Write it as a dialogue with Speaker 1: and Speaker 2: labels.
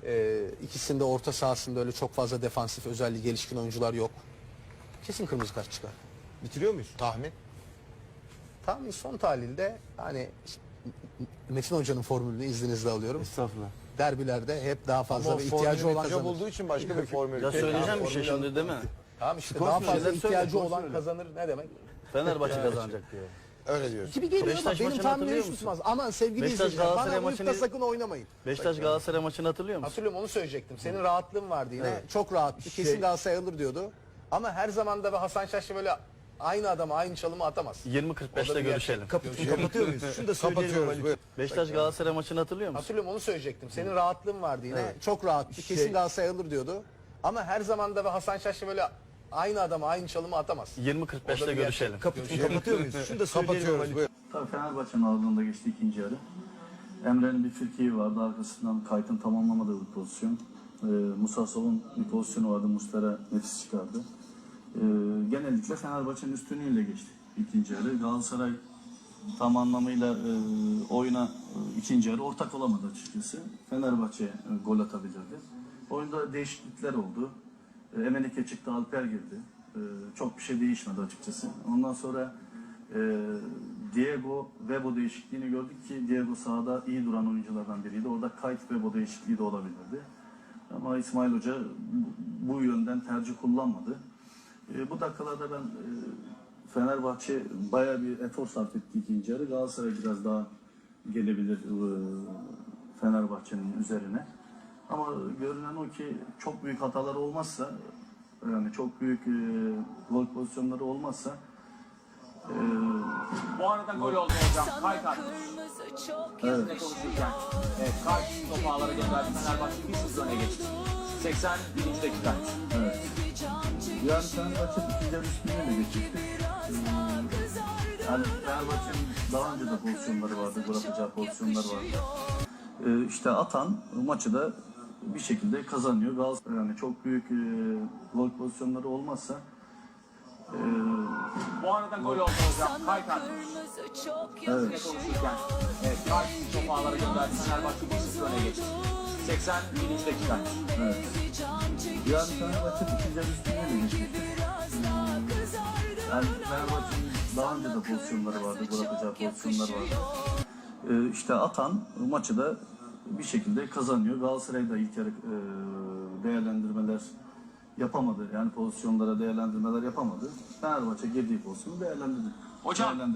Speaker 1: İkisinde orta sahasında öyle çok fazla defansif özelliği gelişkin oyuncular yok. Kesin kırmızı kart çıkar.
Speaker 2: Bitiriyor muyuz? Tahmin.
Speaker 1: Tam son tahlilde hani Metin Hoca'nın formülünü izninizle alıyorum.
Speaker 3: Estağfurullah.
Speaker 1: Derbilerde hep daha fazla
Speaker 2: Ama
Speaker 1: ve ihtiyacı olan
Speaker 2: hoca
Speaker 1: kazanır.
Speaker 2: bulduğu için başka bir formül.
Speaker 3: Ya söyleyeceğim bir şey şimdi değil mi?
Speaker 1: Tamam işte
Speaker 3: Skor
Speaker 1: daha
Speaker 3: söyle,
Speaker 1: fazla
Speaker 3: söyle,
Speaker 1: ihtiyacı
Speaker 3: skor
Speaker 1: olan
Speaker 3: söyle.
Speaker 1: kazanır ne demek?
Speaker 3: Fenerbahçe kazanacak diyor.
Speaker 2: Öyle diyorsun.
Speaker 1: Gibi geliyor ama
Speaker 3: Beşiktaş
Speaker 1: benim
Speaker 3: maçını
Speaker 1: tahminim
Speaker 3: hatırlıyor
Speaker 1: hiç
Speaker 3: musun?
Speaker 1: tutmaz. Aman sevgili
Speaker 3: Beşiktaş
Speaker 1: izleyiciler
Speaker 3: Galatasaray
Speaker 1: bana uyup da
Speaker 3: maçını-
Speaker 1: sakın oynamayın.
Speaker 3: Beşiktaş Galatasaray maçını hatırlıyor musun?
Speaker 1: Hatırlıyorum onu söyleyecektim. Senin rahatlığın vardı yine.
Speaker 2: Evet.
Speaker 1: Çok rahattı. Kesin Galatasaray alır diyordu. Ama her zaman da Hasan Şaşlı böyle aynı adama aynı çalımı atamaz.
Speaker 3: 20.45'te görüşelim.
Speaker 4: Kapatıyor muyuz? Şunu da
Speaker 2: Kapatıyoruz.
Speaker 4: söyleyelim.
Speaker 2: Buyur.
Speaker 3: Beşiktaş Galatasaray maçını hatırlıyor musun?
Speaker 1: Hatırlıyorum onu söyleyecektim. Senin rahatlığın vardı yine.
Speaker 2: Evet.
Speaker 1: Çok rahattı. Kesin Galatasaray alır diyordu. Ama her zaman da Hasan Şaşlı böyle aynı adama aynı çalımı atamaz.
Speaker 3: 20.45'te görüşelim.
Speaker 4: Kapatıyor muyuz? Şunu da söyleyelim.
Speaker 2: Kapatıyoruz. Buyur.
Speaker 5: Tabii Fenerbahçe'nin ağırlığında geçti ikinci yarı. Emre'nin bir frikiği vardı. Arkasından Kayt'ın tamamlamadığı bir pozisyon. Musa Sov'un bir pozisyonu vardı. Muslera nefis çıkardı. Genellikle Fenerbahçe'nin üstünlüğüyle geçti ikinci yarı. Galatasaray tam anlamıyla oyuna ikinci yarı ortak olamadı açıkçası. Fenerbahçe gol atabilirdi. Oyunda değişiklikler oldu. Emenike çıktı, Alper girdi. Çok bir şey değişmedi açıkçası. Ondan sonra Diego Webo değişikliğini gördük ki Diego sahada iyi duran oyunculardan biriydi. Orada Kayt Webo değişikliği de olabilirdi. Ama İsmail Hoca bu yönden tercih kullanmadı. Bu dakikalarda ben Fenerbahçe bayağı bir efor sarf etti ikinci yarı. Galatasaray biraz daha gelebilir Fenerbahçe'nin üzerine. Ama görünen o ki çok büyük hatalar olmazsa, yani çok büyük gol pozisyonları olmazsa
Speaker 6: Bu arada gol oldu hocam. Kayt attı.
Speaker 5: evet.
Speaker 6: Ne konuşurken. Evet, Kayt topu ağlara gönderdi. Fenerbahçe 1-0 öne geçti. 81. dakika.
Speaker 5: Evet. Yani Fenerbahçe ikinci yarı üstünlüğüyle geçecekti. Yani Fenerbahçe'nin daha önce de pozisyonları vardı, gol atacağı pozisyonlar vardı. İşte atan maçı da bir şekilde kazanıyor. Galatasaray yani çok büyük gol pozisyonları olmazsa
Speaker 6: Bu arada gol oldu hocam. Kayt attı.
Speaker 5: evet.
Speaker 6: Ne konuşurken. Evet, Kayt topu ağlara gönderdi. Fenerbahçe 1-0 öne geçti. 81. dakika.
Speaker 5: Evet. Yani Fenerbahçe ikinci yarı üstünlüğüyle geçecekti. Yani Fenerbahçe'nin daha önce de pozisyonları vardı, gol atacağı pozisyonlar vardı. İşte atan maçı da bir şekilde kazanıyor. Galatasaray da ilk yarı değerlendirmeler yapamadı. Yani pozisyonlara değerlendirmeler yapamadı. Fenerbahçe girdiği pozisyonu değerlendirdi.
Speaker 6: Hocam